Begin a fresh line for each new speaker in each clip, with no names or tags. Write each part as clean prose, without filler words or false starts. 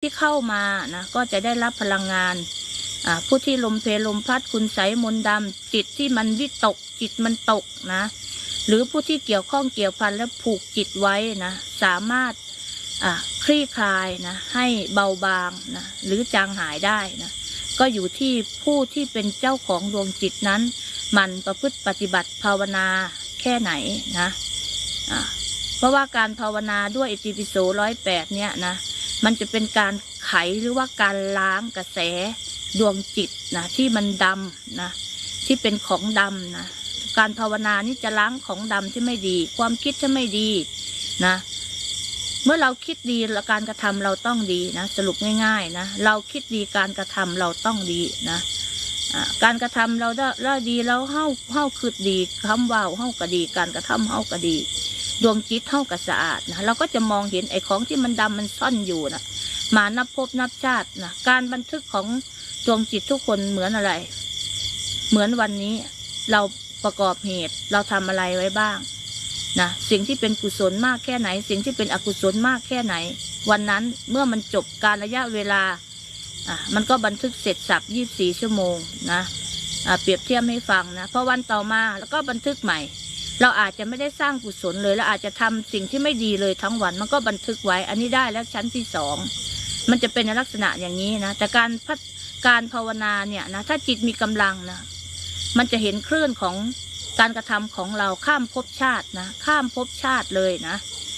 ที่เข้ามานะก็จะได้รับพลังงานผู้ที่ลมเพลลมพัดคุณไสมนต์ดำจิตที่มันวิตกจิตมันตกนะหรือผู้ที่เกี่ยวข้องเกี่ยวพันและผูกจิตไว้นะสามารถคลี่คลายนะให้เบาบางนะหรือจางหายได้นะก็อยู่ที่ผู้ที่เป็นเจ้าของดวงจิตนั้นมันประพฤติปฏิบัติภาวนาแค่ไหนนะเพราะว่าการภาวนาด้วยอิติปิโส108เนี่ยนะมันจะเป็นการไขหรือว่าการล้างกระแสดวงจิตนะที่มันดำนะที่เป็นของดำนะการภาวนานี่จะล้างของดำที่ไม่ดีความคิดที่ไม่ดีนะเมื่อเราคิดดีแล้วการกระทำเราต้องดีนะสรุปง่ายๆนะเราคิดดีการกระทำเราต้องดีนะการกระทำเราได้ดีแล้วเฮ้าคือดีคำว่าเฮ้าก็ดีการกระทำเฮ้าก็ดีดวงจิตเฮ้าก็สะอาดนะเราก็จะมองเห็นไอ้ของที่มันดำมันซ่อนอยู่นะมานับภพนับชาตินะการบันทึกของดวงจิตทุกคนเหมือนอะไรเหมือนวันนี้เราประกอบเหตุเราทำอะไรไว้บ้างนะสิ่งที่เป็นกุศลมากแค่ไหนสิ่งที่เป็นอกุศลมากแค่ไหนวันนั้นเมื่อมันจบการระยะเวลามันก็บันทึกเสร็จสับ24 ชั่วโมงนะเปรียบเทียบให้ฟังนะพอวันต่อมาแล้วก็บันทึกใหม่เราอาจจะไม่ได้สร้างกุศลเลยแล้วอาจจะทำสิ่งที่ไม่ดีเลยทั้งวันมันก็บันทึกไว้อันนี้ได้แล้วชั้นที่2มันจะเป็นในลักษณะอย่างนี้นะแต่การภาวนาเนี่ยนะถ้าจิตมีกำลังนะมันจะเห็นคลื่นของการกระทำของเราข้ามภพชาตินะข้ามภพชาติเลยนะ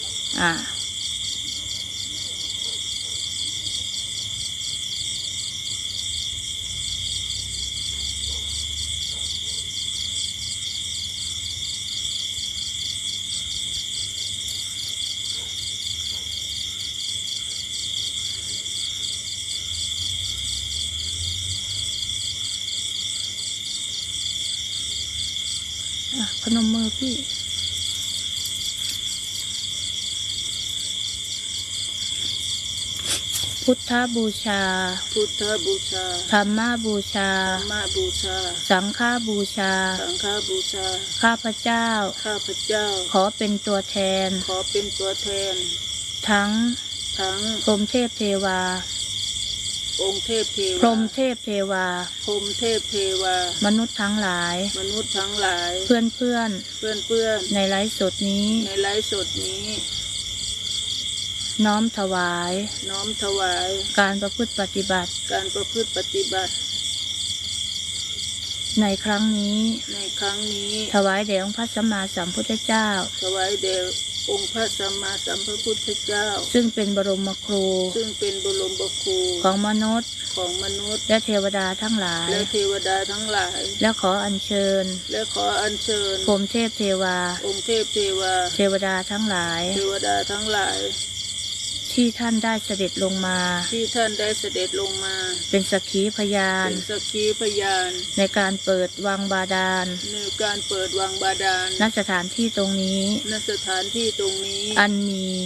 พนมมือพี่พุทธบูชา
พุทธบูชา
ธรรมบูชา
ธรรมบูชา
สังฆบูชา
สังฆบูชา
ข้าพเจ้าขอเป็นตัวแทนทั้งพรหมเทพเทวา
องค์เทพเทวา
พรหมเทพเทวามนุษย์ทั้งหลายเพื่อนในไลฟ์สดนี้น้อมถวายการประพฤติปฏิบัติในครั้งนี้ถวายแด่องค์พระสัมมาสัมพุทธเจ้า
องค์พระสัมมาสัมพุทธเจ้า
ซึ่งเป็นบรมครูของมนุษย์และเทวดาทั้งหลายและขออัญเชิญพรหมเทพเทวาเทวดาทั้งหลายที่ท่านได้เสด็จลงมาเป็นสักขีพยานในการเปิดวังบาดาลณสถานที่ตรงนี้อัน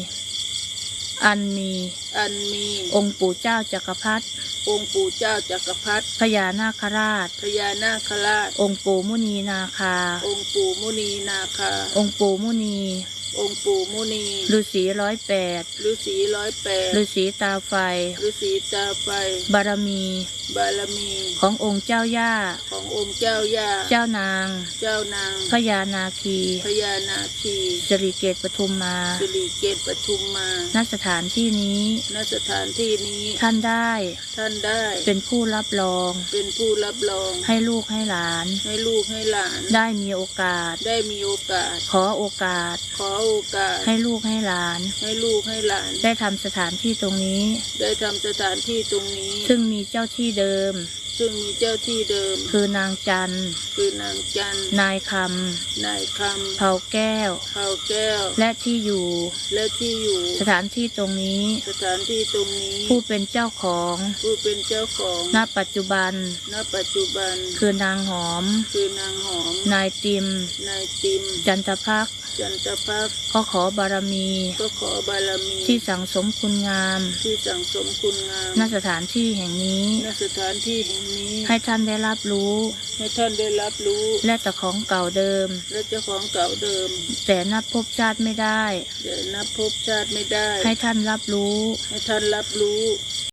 มีองค์ปู่เจ้าจักรพรรดิพญานาคราชองค์ปู่มุนีนาคาองค์ปู่มุนีฤาษี108ฤาษีตาไฟบารมีขององค์เจ้าย่าเจ้านางพญานาคีสิริเกตปทุมมาณสถานที่นี้ท่านได้เป็นผู้รับรองให้ลูกให้หลานได้มีโอกาสขอโอกาสให้ลูกให้หลานได้ทำสถานที่ตรงนี้ซึ่งมีเจ้าที่เดิมคือนางจันนายคำเผาแก้วและที่อยู่สถานที่ตรงนี้ผู้เป็นเจ้าของณปัจจุบันคือนางหอมนายติมจันทภักดิ์ก็ขอบารมีที่สั่งสมคุณงามณสถานที่แห่งนี้ให้ท่านได้รับรู้และแต่ของเก่าเดิมแต่นับภพชาติไม่ได้ให้ท่านรับรู้